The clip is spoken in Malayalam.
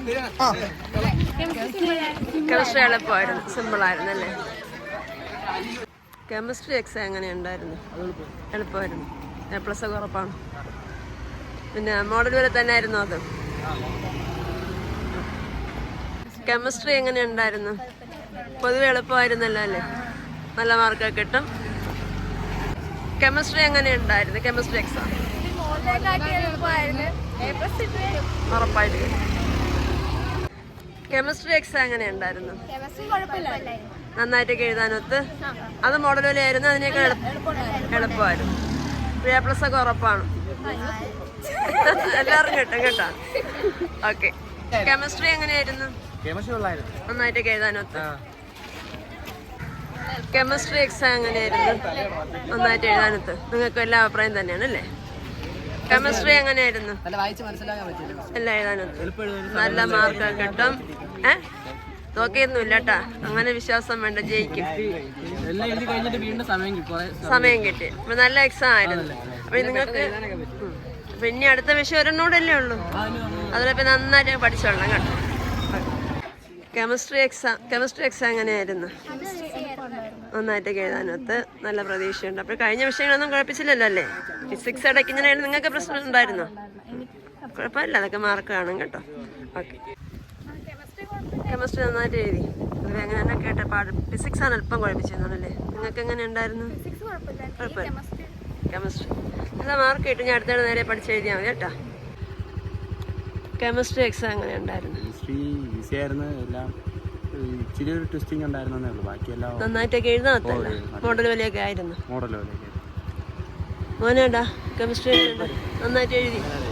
കെമിസ്ട്രി എളുപ്പമായിരുന്നു, സിമ്പിളായിരുന്നു അല്ലേ? കെമിസ്ട്രി എക്സാം എങ്ങനെ ഉണ്ടായിരുന്നു? എളുപ്പമായിരുന്നു, A+ ഒക്കെ ഉറപ്പാണ്. പിന്നെ മോഡൽ വരെ തന്നെ ആയിരുന്നു അത്. കെമിസ്ട്രി എങ്ങനെ ഉണ്ടായിരുന്നു? പൊതുവെ എളുപ്പമായിരുന്നല്ലോ അല്ലേ? നല്ല മാർക്കൊക്കെ കിട്ടും. കെമിസ്ട്രി എങ്ങനെ ഉണ്ടായിരുന്നു? കെമിസ്ട്രി എക്സാം ഉറപ്പായിട്ട് കിട്ടും. കെമിസ്ട്രി എക്സാം എങ്ങനെ ഉണ്ടായിരുന്നു? നന്നായിട്ടൊക്കെ എഴുതാനൊത്ത്. അത് മോഡൽ വിലയായിരുന്നു, അതിനേക്കാൾ എളുപ്പമായിരുന്നു. A+ ഒക്കെ ഉറപ്പാണ്. എല്ലാവരും കിട്ടും കേട്ടോ. ഓക്കെ, കെമിസ്ട്രി എങ്ങനെയായിരുന്നു? നന്നായിട്ടൊക്കെ എഴുതാനൊത്ത്. കെമിസ്ട്രി എക്സാം എങ്ങനെയായിരുന്നു? നന്നായിട്ട് എഴുതാനൊത്ത്. നിങ്ങൾക്ക് എല്ലാ അഭിപ്രായം തന്നെയാണ് അല്ലേ? കെമിസ്ട്രി എങ്ങനെയായിരുന്നു? എല്ലാം എഴുതാനൊത്ത്, നല്ല മാർക്ക് കിട്ടും. നോക്കിയൊന്നുമില്ല കേട്ടാ, അങ്ങനെ വിശ്വാസം വേണ്ട, ജയിക്കും. സമയം കിട്ടി. അപ്പൊ നല്ല എക്സാം ആയിരുന്നു. അപ്പൊ നിങ്ങൾക്ക് പിന്നെ അടുത്ത വിഷയം ഒരെണ്ണൂടല്ലേ ഉള്ളൂ, അതിലപ്പോ നന്നായിട്ട് പഠിച്ചോളാം കേട്ടോ. കെമിസ്ട്രി എക്സാം എങ്ങനെയായിരുന്നു? നന്നായിട്ടൊക്കെ എഴുതാനൊത്ത്, നല്ല പ്രതീക്ഷയുണ്ട്. അപ്പോൾ കഴിഞ്ഞ വിഷയങ്ങളൊന്നും കുഴപ്പമില്ലല്ലോ അല്ലേ? ഫിസിക്സ് ഇടയ്ക്ക് ഇങ്ങനെയായിരുന്നു, നിങ്ങൾക്ക് പ്രശ്നം ഉണ്ടായിരുന്നോ? കുഴപ്പമില്ല, അതൊക്കെ മാർക്ക് കാണും കേട്ടോ. ഓക്കെ, കെമിസ്ട്രി നന്നായിട്ട് എഴുതി. അത് എങ്ങനെയാണ് കേട്ട പാട്. ഫിസിക്സ് ആണ് അല്പം കുഴപ്പിച്ചിരുന്നല്ലേ? നിങ്ങൾക്ക് എങ്ങനെ ഉണ്ടായിരുന്നു? കുഴപ്പമില്ല, കെമിസ്ട്രി നല്ല മാർക്ക് കിട്ടും. ഞാൻ അടുത്തിടെ നേരെ പഠിച്ചെഴുതിയാൽ മതി കേട്ടോ. കെമിസ്ട്രി എക്സാം എങ്ങനെ ഉണ്ടായിരുന്നു? നന്നായിട്ടൊക്കെ എഴുതാത്തല്ല, മോഡൽ വിലയൊക്കെ ആയിരുന്നു. മോനേടാ കെമിസ്ട്രി നന്നായിട്ട് എഴുതി.